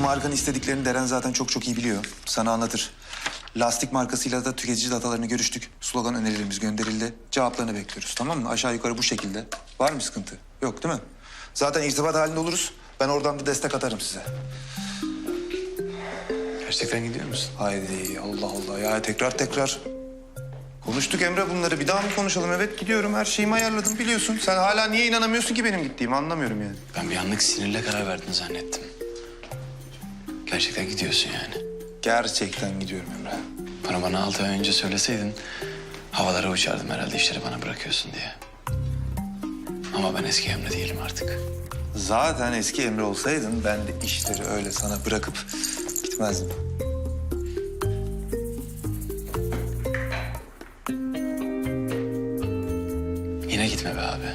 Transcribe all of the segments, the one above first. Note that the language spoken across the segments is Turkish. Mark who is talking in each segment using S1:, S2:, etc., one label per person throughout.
S1: markanın istediklerini Deren zaten çok iyi biliyor. Sana anlatır. Lastik markasıyla da tüketici datalarını görüştük. Slogan önerilerimiz gönderildi. Cevaplarını bekliyoruz, tamam mı? Aşağı yukarı bu şekilde. Var mı sıkıntı? Yok değil mi? Zaten irtibat halinde oluruz. Ben oradan da destek atarım size.
S2: Gerçekten gidiyor musun?
S1: Haydi Allah Allah ya, tekrar. Konuştuk Emre bunları. Bir daha mı konuşalım? Evet gidiyorum. Her şeyimi ayarladım biliyorsun. Sen hala niye inanamıyorsun ki benim gittiğimi, anlamıyorum yani.
S2: Ben bir anlık sinirle karar verdin zannettim. Gerçekten gidiyorsun yani.
S1: Gerçekten gidiyorum Emre.
S2: Bana 6 ay önce söyleseydin havalara uçardım herhalde işleri bana bırakıyorsun diye. Ama ben eski Emre değilim artık.
S1: Zaten eski Emre olsaydın ben de işleri öyle sana bırakıp gitmezdim.
S2: Yine gitme be abi.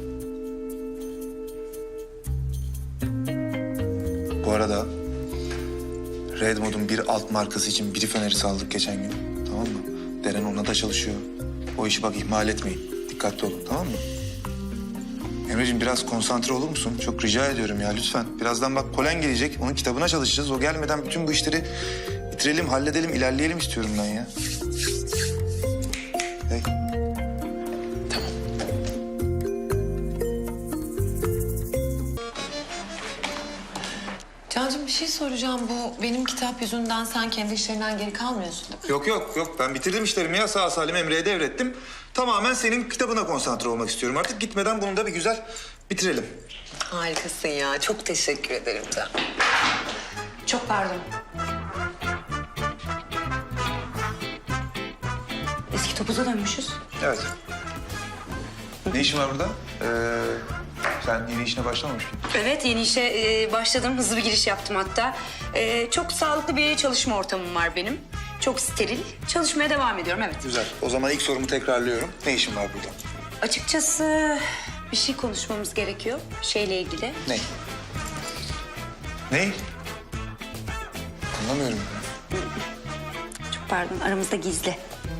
S1: Bu arada Red Mod'un bir alt markası için brief önerisi aldık geçen gün. Tamam mı? Deren ona da çalışıyor. O işi bak ihmal etmeyin. Dikkatli olun, tamam mı? Emreciğim biraz konsantre olur musun? Çok rica ediyorum ya lütfen. Birazdan bak Polen gelecek. Onun kitabına çalışacağız. O gelmeden bütün bu işleri bitirelim, halledelim, ilerleyelim istiyorum ben ya. Hey.
S2: Tamam.
S3: Cancığım bir şey soracağım. Bu benim kitap yüzünden sen kendi işlerinden geri kalmıyorsun değil mi?
S1: Yok. Ben bitirdim işlerimi ya. Sağ salim Emre'ye devrettim. Tamamen senin kitabına konsantre olmak istiyorum artık. Gitmeden bunu da bir güzel bitirelim.
S3: Harikasın ya. Çok teşekkür ederim Can. Çok pardon.
S4: Eski topuza dönmüşüz.
S1: Evet. Ne işin var burada? Sen yeni işine başlamamış mıydın?
S4: Evet, yeni işe başladım. Hızlı bir giriş yaptım hatta. Çok sağlıklı bir çalışma ortamım var benim. Çok steril. Çalışmaya devam ediyorum, evet.
S1: Güzel. O zaman ilk sorumu tekrarlıyorum. Ne işin var burada?
S4: Açıkçası bir şey konuşmamız gerekiyor. Şeyle ilgili.
S1: Ne? Ne? Anlamıyorum.
S4: Çok pardon, aramızda gizli.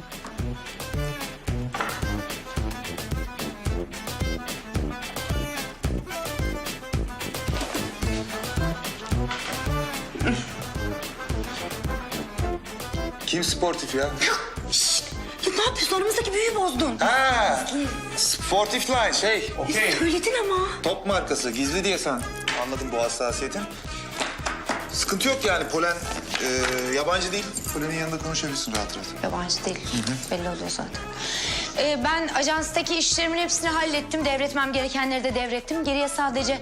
S1: Kim sportif ya?
S4: Şşt! Ya ne yapıyorsun? Aramızdaki büyüyü bozdun.
S1: Ha, sportif line okey.
S4: Söyledin ama.
S1: Top markası gizli diye sen. Anladım bu hassasiyetin. Sıkıntı yok yani Polen yabancı değil. Polen'in yanında konuşabilirsin rahat.
S4: Yabancı değil. Belli oluyor zaten. Ben ajanstaki işlerimin hepsini hallettim. Devretmem gerekenleri de devrettim. Geriye sadece...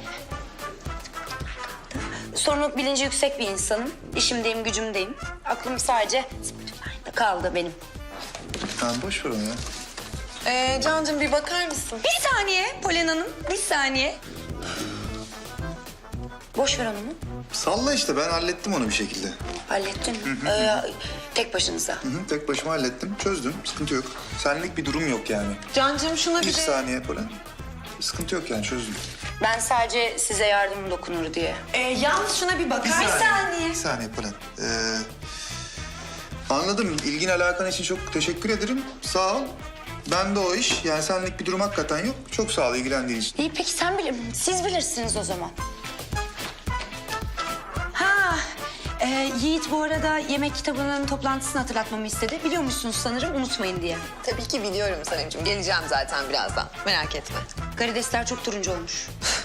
S4: Sorumluluk bilinci yüksek bir insanım. İşimdeyim, gücümdeyim. Aklım sadece Spotify'da kaldı benim.
S1: Tamam boş ver onu ya.
S3: Cancığım bir bakar mısın?
S4: Bir saniye Polen Hanım, bir saniye. Boş ver onu mu?
S1: Salla işte ben hallettim onu bir şekilde.
S4: Hallettin. Tek başınıza.
S1: Tek başıma hallettim, çözdüm. Sıkıntı yok. Senlik bir durum yok yani.
S3: Cancığım şuna
S1: Bir
S3: bir de...
S1: saniye Polen. Sıkıntı yok yani çözdüm.
S4: Ben sadece size yardımım dokunur diye.
S3: Yalnız şuna bir bakar mısın?
S1: Bir saniye Polen. Anladım. İlgin alakan için çok teşekkür ederim. Sağ ol. Ben de o iş. Yani senlik bir durum hakikaten yok. Çok sağ ol ilgilendiğin için.
S4: İyi peki siz bilirsiniz o zaman. Yiğit bu arada yemek kitabının toplantısını hatırlatmamı istedi. Biliyor musunuz sanırım unutmayın diye.
S3: Tabii ki biliyorum Sanemciğim. Geleceğim zaten birazdan. Merak etme.
S4: Karidesler çok turuncu olmuş.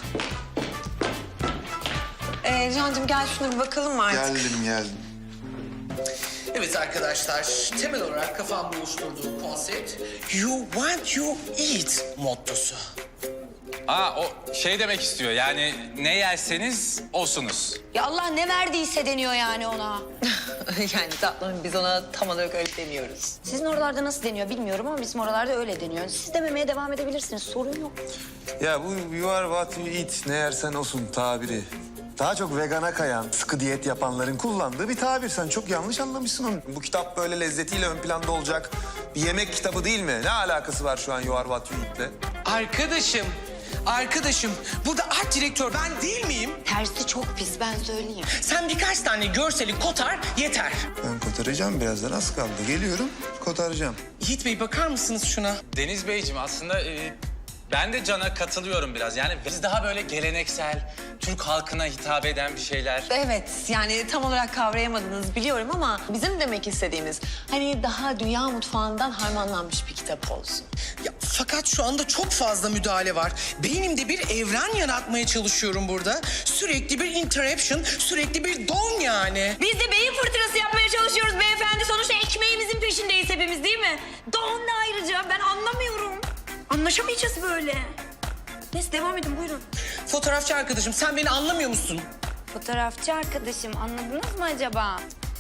S3: Cancığım gel şuna bir bakalım mı artık?
S1: Geldim.
S5: Evet arkadaşlar, temel olarak kafamda oluşturduğum konsept You want you eat mottosu.
S6: O şey demek istiyor yani ne yerseniz olsunuz.
S4: Ya Allah ne verdiyse deniyor yani ona.
S3: Yani tatlım biz ona tam olarak öyle demiyoruz.
S4: Sizin oralarda nasıl deniyor bilmiyorum ama bizim oralarda öyle deniyor. Siz dememeye devam edebilirsiniz, sorun yok.
S1: Ya bu you are what you eat, ne yersen olsun tabiri. Daha çok vegana kayan, sıkı diyet yapanların kullandığı bir tabir. Sen çok yanlış anlamışsın onu. Bu kitap böyle lezzetiyle ön planda olacak bir yemek kitabı değil mi? Ne alakası var şu an you are what you eat'le?
S5: Arkadaşım, burada art direktör ben değil miyim?
S4: Tersi çok pis, ben söyleyeyim.
S5: Sen birkaç tane görseli kotar, yeter.
S1: Ben kotaracağım birazdan, az kaldı. Geliyorum, kotaracağım.
S5: Yiğit Bey bakar mısınız şuna?
S6: Deniz Beyciğim aslında Ben de Can'a katılıyorum biraz. Yani biz daha böyle geleneksel, Türk halkına hitap eden bir şeyler.
S3: Evet, yani tam olarak kavrayamadınız biliyorum ama bizim demek istediğimiz hani daha dünya mutfağından harmanlanmış bir kitap olsun.
S5: Ya, fakat şu anda çok fazla müdahale var. Beynimde bir evren yaratmaya çalışıyorum burada. Sürekli bir interruption, sürekli bir don yani.
S4: Biz de beyin fırtınası yapmaya çalışıyoruz beyefendi. Sonuçta ekmeğimizin peşindeyiz hepimiz değil mi? Doğan da ayrıca ben anlamıyorum. Anlaşamayacağız böyle. Neyse devam edin buyurun.
S5: Fotoğrafçı arkadaşım, sen beni anlamıyor musun?
S7: Fotoğrafçı arkadaşım anladınız mı acaba?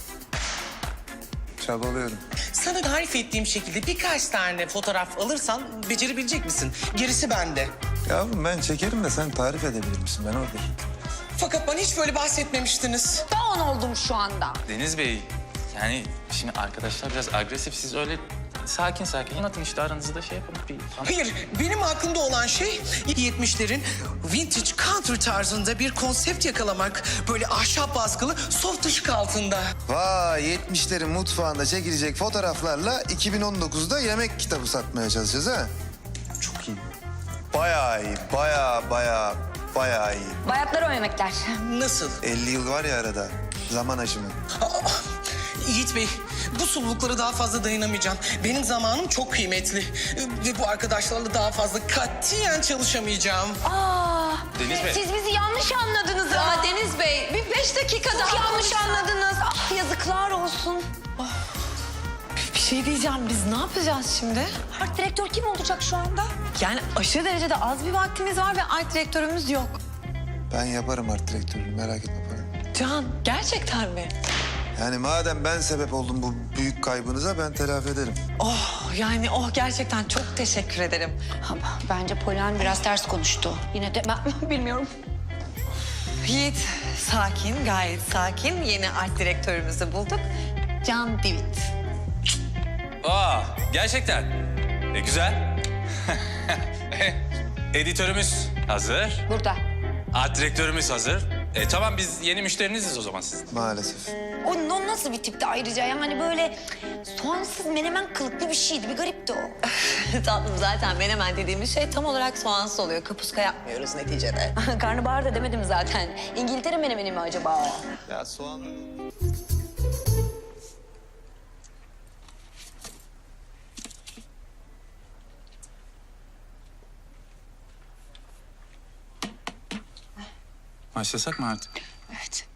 S1: Çabalıyorum.
S5: Sana tarif ettiğim şekilde birkaç tane fotoğraf alırsan becerebilecek misin? Gerisi bende.
S1: Yavrum ben çekerim de sen tarif edebilir misin? Ben oradayım.
S5: Fakat bana hiç böyle bahsetmemiştiniz.
S7: Doğan oldum şu anda.
S6: Deniz Bey, yani şimdi arkadaşlar biraz agresif. Siz öyle sakin sakin anlatın işte aranızda şey yapın.
S5: Hayır, benim aklımda olan şey 70'lerin vintage country tarzında bir konsept yakalamak. Böyle ahşap baskılı, soft ışık altında.
S1: Vay 70'lerin mutfağında çekilecek fotoğraflarla 2019'da yemek kitabı satmaya çalışacağız ha. Çok iyi. Bayağı iyi, bayağı iyi.
S7: Bayatlar o yemekler.
S5: Nasıl?
S1: 50 yıl var ya arada. Zaman aşımı.
S5: Yiğit Bey, bu sululuklara daha fazla dayanamayacağım. Benim zamanım çok kıymetli. Ve bu arkadaşlarla daha fazla katiyen çalışamayacağım.
S6: Deniz Bey.
S7: Siz bizi yanlış anladınız ya.
S3: Aa, Deniz Bey, bir 5 dakika
S7: Çok
S3: daha
S7: yanlış
S3: konuşsak.
S7: anladınız. Ah yazıklar olsun.
S3: Bir şey diyeceğim, biz ne yapacağız şimdi?
S7: Art direktör kim olacak şu anda?
S3: Yani aşırı derecede az bir vaktimiz var ve art direktörümüz yok.
S1: Ben yaparım art direktörünü merak etme falan.
S3: Can, gerçekten mi?
S1: Yani madem ben sebep oldum bu büyük kaybınıza ben telafi ederim.
S3: Yani gerçekten çok teşekkür ederim.
S7: Ama bence Polen biraz ters konuştu. Yine de ben bilmiyorum.
S3: Yiğit, sakin, gayet sakin. Yeni art direktörümüzü bulduk. Can Divit.
S6: Aa, gerçekten. Güzel. Editörümüz hazır.
S7: Burada.
S6: Art direktörümüz hazır. Tamam biz yeni müşteriniziz o zaman sizin.
S1: Maalesef.
S7: O nasıl bir tipti ayrıca? Yani böyle soğansız menemen kılıklı bir şeydi. Bir garipti o.
S3: Tatlım zaten menemen dediğimiz şey tam olarak soğansız oluyor. Kapuska yapmıyoruz neticede.
S7: Karnabahar da demedim zaten. İngiltere menemeni mi acaba?
S1: Ya soğan...
S6: Başlasak mı artık?
S7: Evet.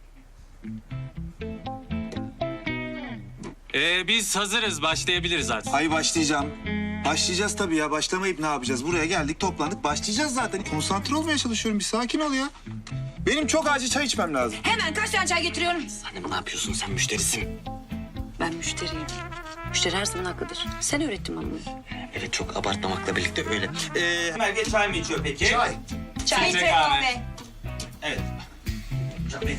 S6: Biz hazırız, başlayabiliriz artık.
S1: Ay başlayacağım. Başlayacağız tabii ya. Başlamayıp ne yapacağız? Buraya geldik, toplandık. Başlayacağız zaten. Konsantre olmaya çalışıyorum. Bir sakin ol ya. Benim çok acil çay içmem lazım.
S7: Hemen kaç tane çay getiriyorum?
S2: Ne yapıyorsun sen müşterisin?
S4: Ben müşteriyim. Müşteri her zaman haklıdır. Sen öğrettin bana bunu.
S2: Evet çok abartmamakla birlikte öyle.
S8: Merve çay mı içiyor peki?
S1: Çay.
S7: Çay
S8: Filtre kahve. Evet. Tabii.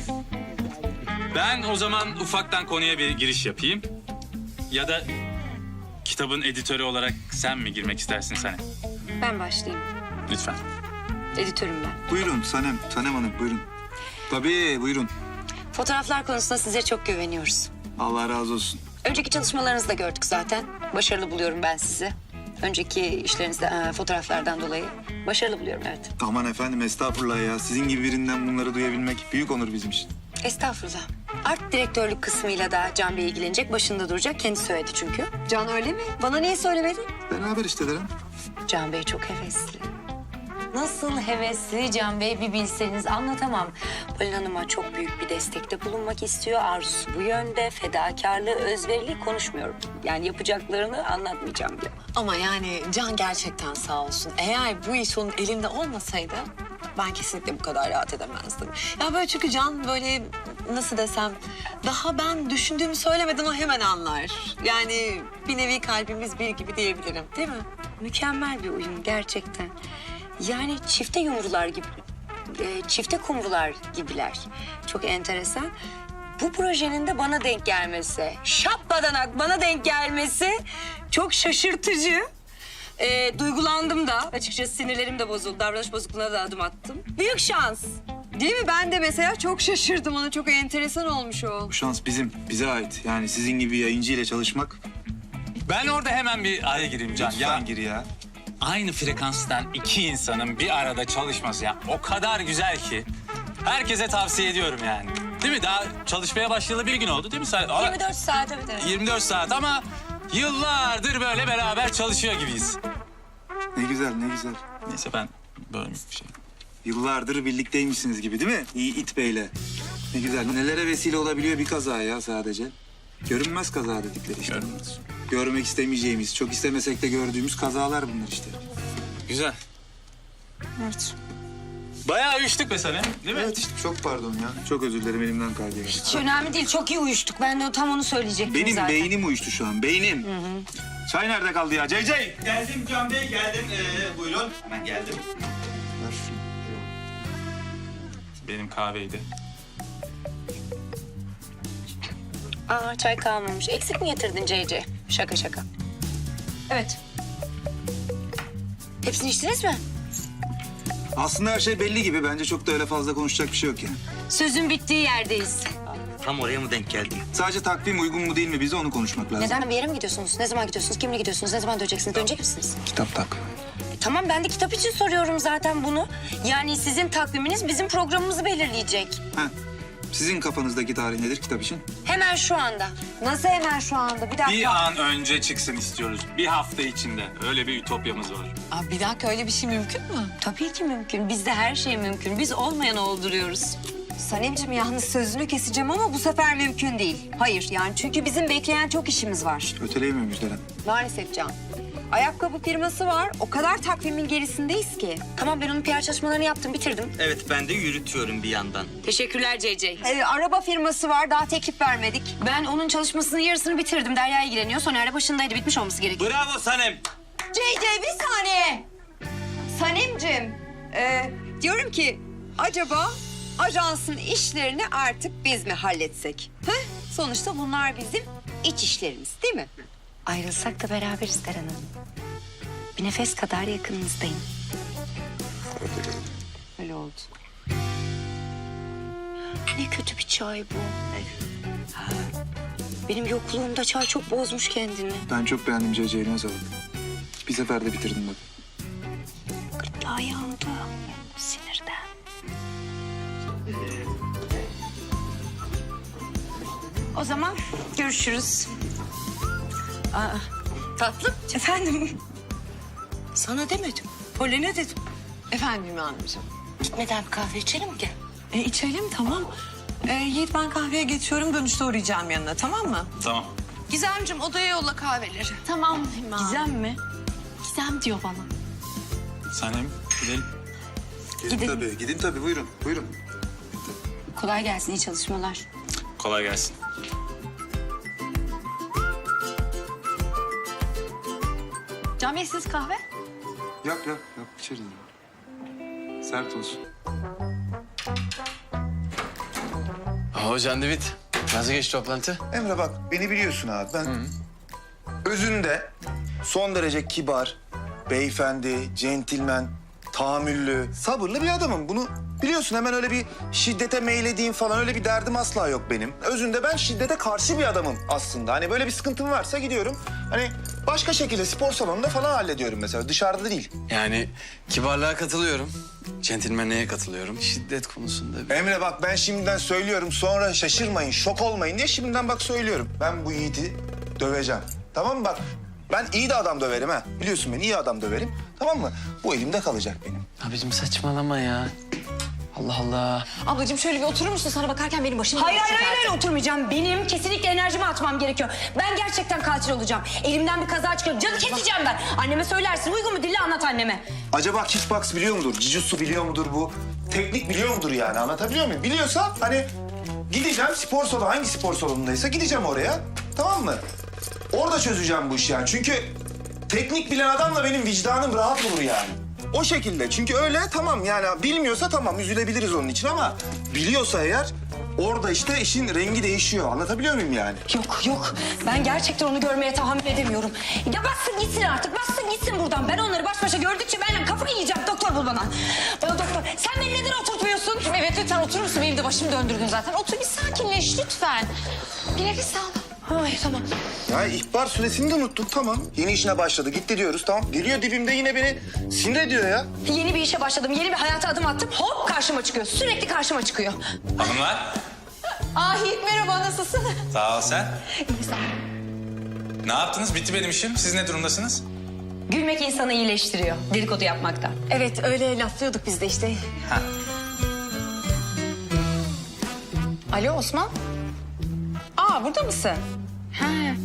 S6: Ben o zaman ufaktan konuya bir giriş yapayım. Ya da kitabın editörü olarak sen mi girmek istersin Sanem?
S4: Ben başlayayım.
S6: Lütfen.
S4: Editörüm ben.
S1: Buyurun Sanem. Sanem Hanım buyurun. Tabii buyurun.
S4: Fotoğraflar konusunda size çok güveniyoruz.
S1: Allah razı olsun.
S4: Önceki çalışmalarınızı da gördük zaten. Başarılı buluyorum ben sizi. Önceki işlerinizde fotoğraflardan dolayı başarılı buluyorum evet.
S1: Aman efendim estağfurullah ya. Sizin gibi birinden bunları duyabilmek büyük onur bizim için.
S4: Estağfurullah. Art direktörlük kısmıyla da Can Bey ilgilenecek, başında duracak. Kendi söyledi çünkü. Can öyle mi? Bana niye söylemedi?
S1: Beraber işte derim.
S4: Can Bey çok hevesli.
S7: Nasıl hevesli Can Bey bir bilseniz anlatamam.
S4: Polin Hanım'a çok büyük bir destekte bulunmak istiyor. Arzusu bu yönde. Fedakarlığı, özverili konuşmuyorum. Yani yapacaklarını anlatmayacağım bile.
S3: Ama yani Can gerçekten sağ olsun. Eğer bu iş onun elinde olmasaydı ben kesinlikle bu kadar rahat edemezdim. Ya böyle çünkü Can böyle nasıl desem daha ben düşündüğümü söylemeden o hemen anlar. Yani bir nevi kalbimiz bir gibi diyebilirim değil mi?
S4: Mükemmel bir uyum gerçekten. Yani çifte yumrular gibi, çifte kumrular gibiler. Çok enteresan. Bu projenin de bana denk gelmesi, şapbadanak bana denk gelmesi çok şaşırtıcı. Duygulandım da. Açıkçası sinirlerim de bozuldu. Davranış bozukluğuna da adım attım. Büyük şans. Değil mi? Ben de mesela çok şaşırdım. Ona çok enteresan olmuş o.
S1: Bu şans bizim, bize ait. Yani sizin gibi bir yayıncı ile çalışmak.
S6: Ben orada hemen bir araya gireyim Can.
S1: Lütfen gir ya.
S6: aynı frekanstan iki insanın bir arada çalışması ya o kadar güzel ki herkese tavsiye ediyorum yani. Değil mi? Daha çalışmaya başlayalı bir gün oldu değil mi?
S3: 24 saat evet.
S6: 24 saat ama yıllardır böyle beraber çalışıyor gibiyiz.
S1: Ne güzel, ne güzel.
S6: Neyse ben böyle bir şey.
S1: Yıllardır birlikteymişsiniz gibi değil mi? İyi it beyle. Ne güzel. Nelere vesile olabiliyor bir kaza ya sadece. Görünmez kaza dedikleri işte.
S6: Görünmez.
S1: Görmek istemeyeceğimiz, çok istemesek de gördüğümüz kazalar bunlar işte.
S6: Güzel.
S3: Evet.
S6: Bayağı uyuştuk be sana, değil mi?
S1: Evet işte çok pardon ya. Çok özür dilerim elimden kaydı.
S4: Hiç önemli değil. Çok iyi uyuştuk. Ben de tam onu söyleyecektim
S1: Benim
S4: zaten.
S1: beynim uyuştu şu an, beynim. Çay nerede kaldı ya? CC!
S8: Geldim Can Bey, geldim. Buyurun. Hemen geldim.
S1: Ver şunu.
S6: Benim kahveydi.
S4: Aa, çay kalmamış. Eksik mi getirdin CC? Şaka şaka. Evet. Hepsini içtiniz mi?
S1: Aslında her şey belli gibi. Bence çok da öyle fazla konuşacak bir şey yok yani.
S4: Sözün bittiği yerdeyiz.
S8: Tam oraya mı denk geldim?
S1: Sadece takvim uygun mu değil mi bize onu konuşmak lazım.
S4: Neden? Bir yere mi gidiyorsunuz? Ne zaman gidiyorsunuz? Kimle gidiyorsunuz? Ne zaman döneceksiniz? Dönecek misiniz?
S1: Kitap takvimi.
S4: Tamam, ben de kitap için soruyorum zaten bunu. Yani sizin takviminiz bizim programımızı belirleyecek.
S1: Ha. Sizin kafanızdaki tarih nedir kitap için?
S4: Hemen şu anda.
S3: Nasıl hemen şu anda? Bir dakika.
S6: Bir an önce çıksın istiyoruz. Bir hafta içinde. Öyle bir ütopyamız var.
S3: Aa, bir dakika öyle bir şey mümkün mü?
S4: Tabii ki mümkün. Bizde her şey mümkün. Biz olmayanı olduruyoruz.
S3: Sanemciğim yalnız sözünü keseceğim ama bu sefer mümkün değil. Hayır yani çünkü bizim bekleyen çok işimiz var.
S1: Öteleyemiyor Müjdeler.
S3: Maalesef Can. Ayakkabı firması var. O kadar takvimin gerisindeyiz ki.
S4: Tamam, ben onun PR çalışmalarını yaptım, bitirdim.
S8: Evet, ben de yürütüyorum bir yandan.
S4: Teşekkürler CC.
S3: Araba firması var. Daha teklif vermedik.
S4: Ben onun çalışmasının yarısını bitirdim. Derya ilgileniyor. Soner başındaydı. Bitmiş olması gerekiyor.
S8: Bravo Sanem.
S3: CC bir saniye. Sanemciğim. Diyorum ki acaba ajansın işlerini artık biz mi halletsek? Heh? Sonuçta bunlar bizim iç işlerimiz değil mi?
S4: Ayrılsak da beraberiz Deren Hanım. Bir nefes kadar yakınınızdayım.
S3: Öyle oldu.
S4: Ne kötü bir çay bu. Ha, benim yokluğumda çay çok bozmuş kendini.
S1: Ben çok beğendim CC'yi ne sağlık. Bir seferde bitirdim bak.
S4: Gırtlağı yandı. Sinirden. O zaman görüşürüz.
S3: Tatlım.
S4: Efendim? Sana demedim. Polen'e dedim.
S3: Efendim Hümme Hanımcığım.
S4: Gitmeden bir kahve içelim mi? Gel.
S3: İçelim tamam. Yiğit ben kahveye geçiyorum. Dönüşte uğrayacağım yanına tamam mı?
S6: Tamam.
S9: Gizemciğim odaya yolla kahveleri.
S7: Tamam Hüma.
S4: Gizem mi?
S7: Gizem diyor bana.
S6: Sanem gidelim.
S1: Gidin tabii buyurun. Buyurun.
S4: Kolay gelsin, iyi çalışmalar.
S6: Kolay gelsin.
S7: Can Bey siz kahve?
S1: Yap içeriz. Sert olsun.
S2: Can David, nasıl geçti toplantı?
S1: Emre bak beni biliyorsun abi ben özünde son derece kibar, beyefendi, centilmen, tahammüllü, sabırlı bir adamım. Bunu biliyorsun hemen öyle bir şiddete meylediğim falan öyle bir derdim asla yok benim. Özünde ben şiddete karşı bir adamım aslında. Hani böyle bir sıkıntım varsa gidiyorum. Hani başka şekilde spor salonunda falan hallediyorum mesela dışarıda değil.
S2: Yani kibarlığa katılıyorum. Centilmenliğe katılıyorum. Şiddet konusunda
S1: Emre bak ben şimdiden söylüyorum sonra şaşırmayın, şok olmayın diye şimdiden bak söylüyorum. Ben bu Yiğit'i döveceğim. Tamam mı bak? Ben iyi de adam döverim ha. Biliyorsun ben iyi adam döverim. Tamam mı? Bu elimde kalacak benim.
S2: Abicim saçmalama ya. Allah Allah.
S7: Ablacığım şöyle bir oturur musun? Sana bakarken benim başım
S4: Hayır
S7: dönüyor
S4: hayır
S7: çünkü
S4: hayır oturmayacağım. Benim kesinlikle enerjimi atmam gerekiyor. Ben gerçekten katil olacağım. Elimden bir kaza çıkıyor. Canı keseceğim ben. Anneme söylersin. Uygun mu? Dille anlat anneme.
S1: Acaba kickbox biliyor mudur? Jiu-jitsu biliyor mudur bu? Teknik biliyor mudur yani? Anlatabiliyor muyum? Biliyorsa hani gideceğim spor salonu, hangi spor salonundaysa gideceğim oraya. Tamam mı? Orada çözeceğim bu işi yani. Çünkü teknik bilen adamla benim vicdanım rahat olur yani. O şekilde. Çünkü öyle tamam yani bilmiyorsa tamam üzülebiliriz onun için ama biliyorsa eğer orada işte işin rengi değişiyor. Anlatabiliyor muyum yani?
S4: Yok. Ben gerçekten onu görmeye tahammül edemiyorum. Ya bassın gitsin artık. Bassın gitsin buradan. Ben onları baş başa gördükçe ben kafayı yiyeceğim. Doktor bul bana. Bana doktor. Sen beni neden oturtmuyorsun?
S7: Evet lütfen oturur musun? Benim de başımı döndürdün zaten. Otur bir sakinleş lütfen. Bir nefes al. Ay tamam.
S1: Ya ihbar süresini de unuttuk tamam. Yeni işine başladı gitti diyoruz tamam. Geliyor dibimde yine beni sinir ediyor ya.
S7: Yeni bir işe başladım, yeni bir hayata adım attım. Hop karşıma çıkıyor, sürekli karşıma çıkıyor.
S6: Hanımlar.
S7: Yiğit merhaba, nasılsın?
S6: Sağ ol sen. Ne yaptınız? Bitti benim işim. Siz ne durumdasınız?
S7: Gülmek insanı iyileştiriyor, dedikodu yapmaktan.
S3: Evet öyle laflıyorduk biz de işte.
S7: Alo Osman? Burada mısın? Ha.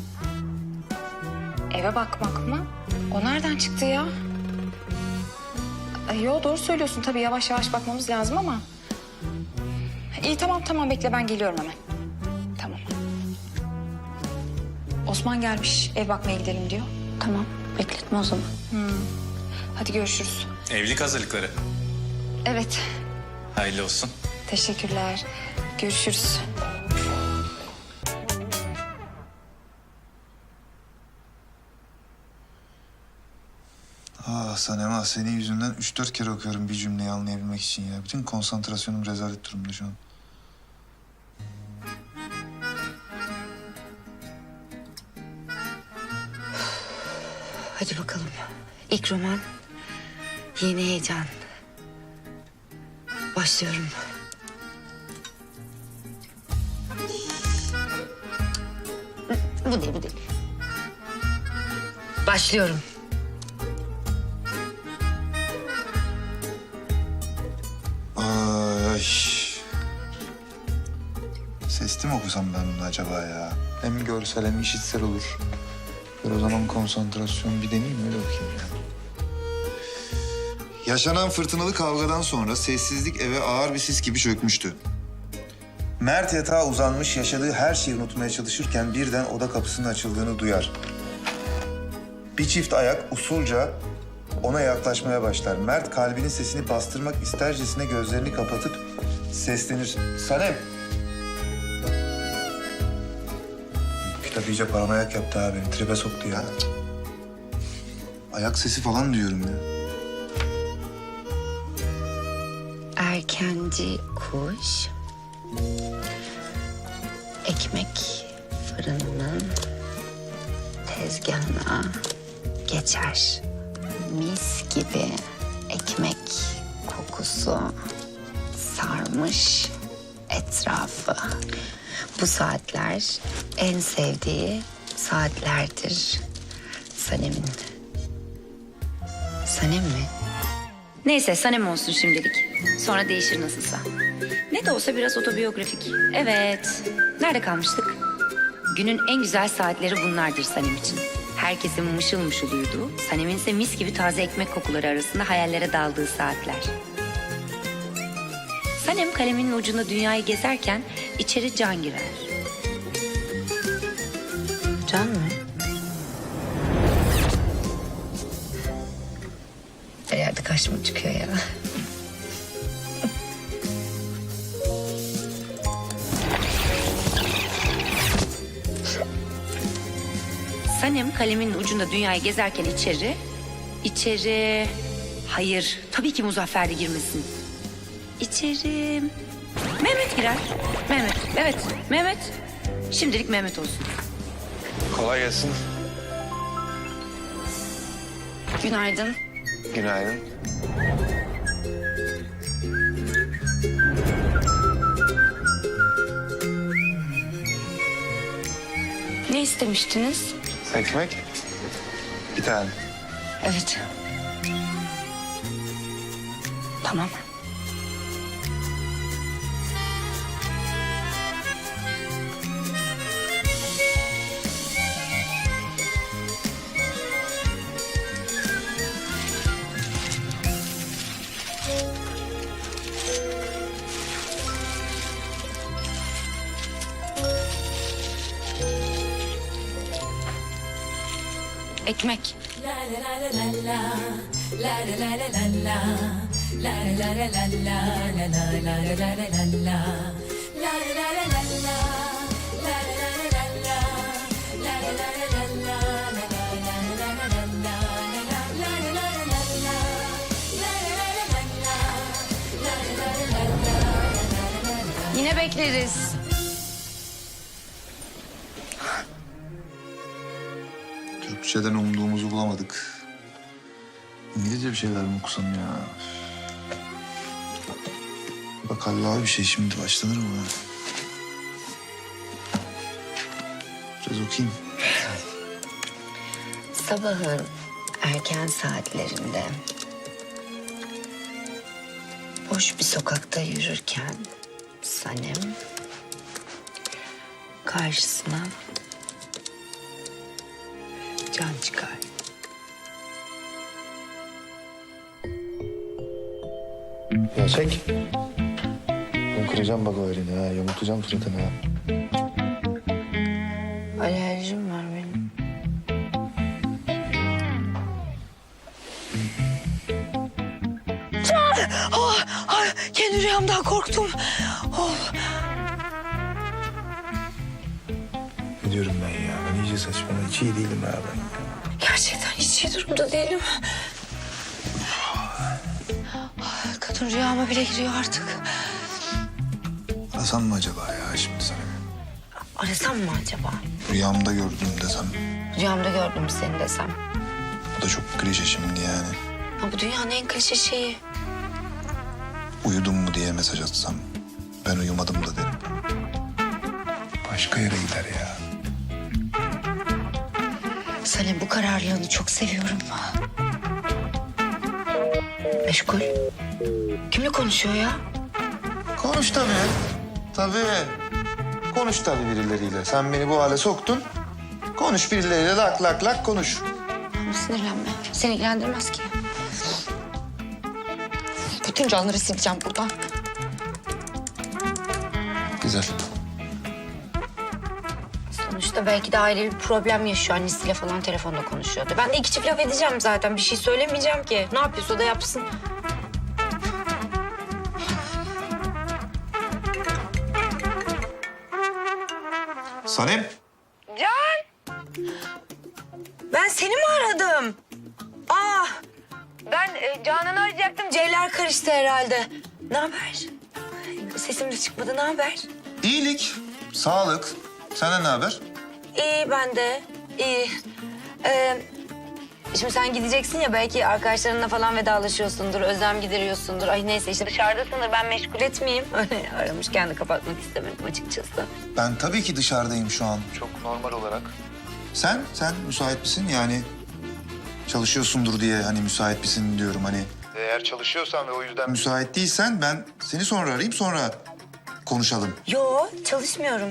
S7: Eve bakmak mı? O nereden çıktı ya? Yo doğru söylüyorsun tabii yavaş yavaş bakmamız lazım ama. İyi tamam bekle ben geliyorum hemen. Tamam. Osman gelmiş ev bakmaya gidelim diyor. Tamam bekletme o zaman. Hadi görüşürüz.
S6: Evlilik hazırlıkları.
S7: Evet
S6: Hayırlı olsun.
S7: teşekkürler. Görüşürüz.
S1: Sanem senin yüzünden 3-4 kere okuyorum bir cümleyi anlayabilmek için ya. Bütün konsantrasyonum rezalet durumda şu an.
S4: Hadi bakalım. İlk roman, yeni heyecan. Başlıyorum. Bu değil. Başlıyorum.
S1: Ay. Sesli mi okusam ben bunu acaba ya? Hem görsel hem işitsel olur. Bir o zaman konsantrasyon bir deneyeyim öyle bakayım ya. Yaşanan fırtınalı kavgadan sonra sessizlik eve ağır bir sis gibi çökmüştü. Mert yatağa uzanmış yaşadığı her şeyi unutmaya çalışırken birden oda kapısının açıldığını duyar. Bir çift ayak usulca ona yaklaşmaya başlar. Mert kalbinin sesini bastırmak istercesine gözlerini kapatıp seslenir. Sanem. Kitap iyice paranoyak yaptı abi. Beni tribe soktu ya. Ayak sesi falan diyorum ya.
S4: Erkenci kuş ekmek fırınının tezgahına geçer. Mis gibi ekmek kokusu sarmış etrafı. Bu saatler en sevdiği saatlerdir Sanem'in. Sanem mi?
S7: Neyse Sanem olsun şimdilik. Sonra değişir nasılsa. Ne de olsa biraz otobiyografik. Evet. Nerede kalmıştık? Günün en güzel saatleri bunlardır Sanem için. Herkesin mışıl mışıl uyuduğu, Sanem'in ise mis gibi taze ekmek kokuları arasında hayallere daldığı saatler. Sanem kaleminin ucunda dünyayı gezerken içeri Can girer.
S4: Can mı? Her yerde karşıma çıkıyor ya.
S7: Sanem kalemin ucunda dünyayı gezerken içeri... Hayır, tabii ki Muzaffer de girmesin. İçeri... Mehmet girer. Mehmet. Şimdilik Mehmet olsun.
S1: Kolay gelsin.
S7: Günaydın.
S1: Günaydın.
S7: Ne istemiştiniz?
S1: Ekmek? Bir tane.
S7: Evet. Tamam. Ekmek. Yine bekleriz.
S1: Türkçeden umduğumuzu bulamadık. İngilizce bir şeyler mi okusam ya? Bak Halil bir şey şimdi başlanır mı? Biraz okuyayım.
S4: Sabahın erken saatlerinde boş bir sokakta yürürken Sanem karşısına Can çıkar.
S1: Ya çek. Ben kıracağım bak o elini ha. Yamultacağım suratını ha.
S4: Alerjim var benim.
S3: Kendi rüyamdan korktum.
S1: Ne diyorum ben ya? Ben iyice saçmalama. Hiç iyi değilim ha ben.
S3: Gerçekten hiç iyi durumda değilim. Kadın rüyama bile giriyor artık.
S1: Arasam mı acaba ya şimdi sana?
S3: Arasam mı acaba?
S1: Rüyamda gördüm desem.
S3: Rüyamda gördüm seni desem.
S1: Bu da çok klişe şimdi yani.
S3: Ha, bu dünyanın en klişe şeyi.
S1: Uyudun mu diye mesaj atsam. Ben uyumadım da derim. Başka yere gider ya.
S3: Sanem bu kararlılığını çok seviyorum. Meşgul. Kimle konuşuyor ya?
S1: Konuş tabii. Tabii. Konuş tabii birileriyle. Sen beni bu hale soktun. Konuş birileriyle lak lak lak konuş.
S3: Ama sinirlenme. Seni ilgilendirmez ki. Bütün canları sileceğim buradan.
S1: Güzel.
S3: Sonuçta belki de ailevi bir problem yaşıyor. Annesiyle falan telefonda konuşuyordu. Ben de iki çift laf edeceğim zaten. Bir şey söylemeyeceğim ki. Ne yapıyorsa o da yapsın.
S1: Sanem.
S3: Ben seni mi aradım? Ben Canan'ı arayacaktım. C'ler karıştı herhalde. Ne haber? Sesim de çıkmadı. Ne haber?
S1: İyilik, sağlık. Senden ne haber?
S3: İyi ben de. İyi. Şimdi sen gideceksin ya belki arkadaşlarınla falan vedalaşıyorsundur, özlem gideriyorsundur. Ay neyse işte dışarıdasındır ben meşgul etmeyeyim. Öyle aramışken de kapatmak istemedim açıkçası.
S1: Ben tabii ki dışarıdayım şu an. Çok normal olarak. Sen müsait misin? Yani çalışıyorsundur diye hani müsait misin diyorum hani. Eğer çalışıyorsan ve o yüzden müsait değilsen ben seni sonra arayayım sonra konuşalım.
S3: Yo çalışmıyorum.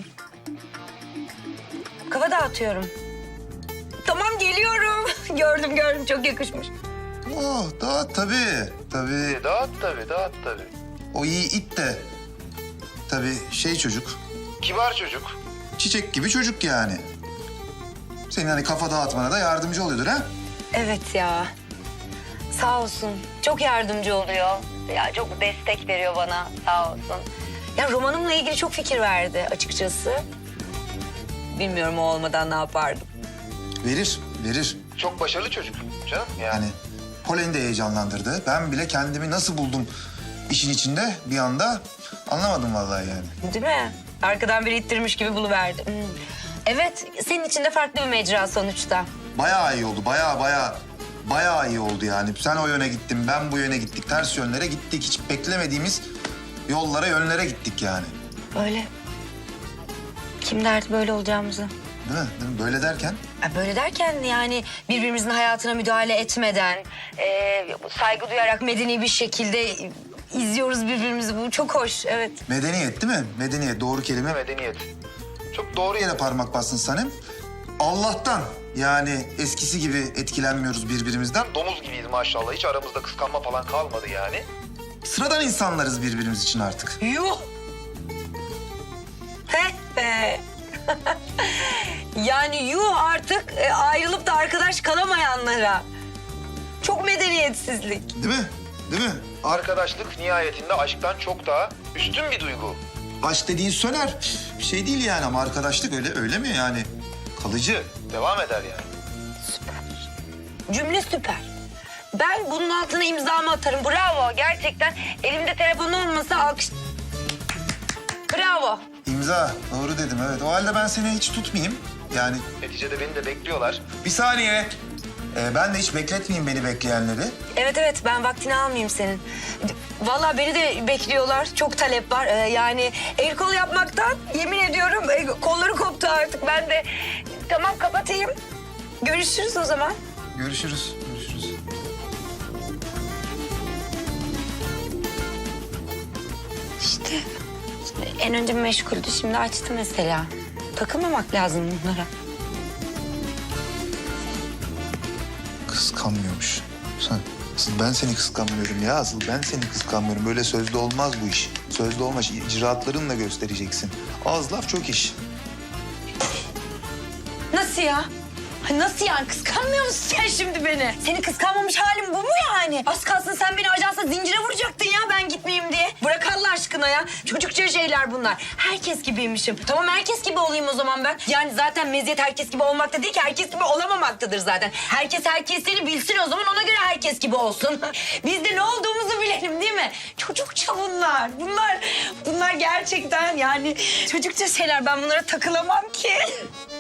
S3: Kafa dağıtıyorum. Tamam geliyorum. gördüm çok yakışmış.
S1: Oh dağıt tabii. Tabii dağıt tabii. O iyi it de tabii şey çocuk. Kibar çocuk. Çiçek gibi çocuk yani. Senin hani kafa dağıtmana da yardımcı oluyordur ha?
S3: Evet ya. Sağ olsun. Çok yardımcı oluyor. Ya çok destek veriyor bana. Sağ olsun. Ya romanımla ilgili çok fikir verdi açıkçası. Bilmiyorum o olmadan ne yapardım.
S1: Verir. Çok başarılı çocuk canım. Yani Polen'i de heyecanlandırdı. Ben bile kendimi nasıl buldum işin içinde bir anda anlamadım vallahi yani.
S3: Değil mi? Arkadan biri ittirmiş gibi buluverdi. Evet, senin için de farklı bir mecra sonuçta.
S1: Bayağı iyi oldu. Bayağı iyi oldu yani. Sen o yöne gittin, ben bu yöne gittik. Ters yönlere gittik. Hiç beklemediğimiz yollara, yönlere gittik yani.
S3: Öyle. Kim derdi böyle olacağımızı?
S1: Değil mi? Böyle derken?
S3: Böyle derken yani birbirimizin hayatına müdahale etmeden... saygı duyarak medeni bir şekilde izliyoruz birbirimizi. Bu çok hoş, evet.
S1: Medeniyet değil mi? Medeniyet. Doğru kelime medeniyet. Çok doğru yere parmak bastın Sanem. Allah'tan yani eskisi gibi etkilenmiyoruz birbirimizden. Domuz gibiyiz maşallah. Hiç aramızda kıskanma falan kalmadı yani. Sıradan insanlarız birbirimiz için artık.
S3: Yuh! He be! Yani yuh artık ayrılıp da arkadaş kalamayanlara. Çok medeniyetsizlik.
S1: Değil mi? Değil mi? Arkadaşlık nihayetinde aşktan çok daha üstün bir duygu. Aşk dediğin söner. Bir şey değil yani ama arkadaşlık öyle mi yani? Kalıcı. Devam eder yani.
S3: Cümle süper. Ben bunun altına imzamı atarım. Bravo gerçekten. Elimde telefon olmasa alkış... Bravo.
S1: İmza. Doğru dedim evet. O halde ben seni hiç tutmayayım. Yani neticede beni de bekliyorlar. Bir saniye. Ben de hiç bekletmeyeyim beni bekleyenleri.
S4: Evet ben vaktini almayayım senin. Vallahi beni de bekliyorlar. Çok talep var. Yani el kol yapmaktan yemin ediyorum kolları koptu artık. Ben de tamam kapatayım. Görüşürüz o zaman.
S1: Görüşürüz. Görüşürüz.
S4: İşte en önce meşguldü. Şimdi açtı mesela. Takılmamak lazım bunlara.
S1: Kıskanmıyormuş. Asıl ben seni kıskanmıyorum ya. Asıl ben seni kıskanmıyorum. Böyle sözlü olmaz bu iş. Sözlü olmaz. İcraatlarınla göstereceksin. Az laf çok iş.
S4: Nasıl ya? Nasıl yani? Kıskanmıyor musun sen şimdi beni? Seni kıskanmamış halim bu mu yani? Az kalsın sen beni ajansa zincire vuracaktın ya ben gitmeyeyim diye. Bırak Allah aşkına ya. Çocukça şeyler bunlar. Herkes gibiymişim. Tamam herkes gibi olayım o zaman ben. Yani zaten meziyet herkes gibi olmakta değil ki. Herkes gibi olamamaktadır zaten. Herkes herkesini bilsin o zaman ona göre herkes gibi olsun. Biz de ne olduğumuzu bilelim değil mi? Çocukça bunlar. Bunlar gerçekten yani çocukça şeyler. Ben bunlara takılamam ki.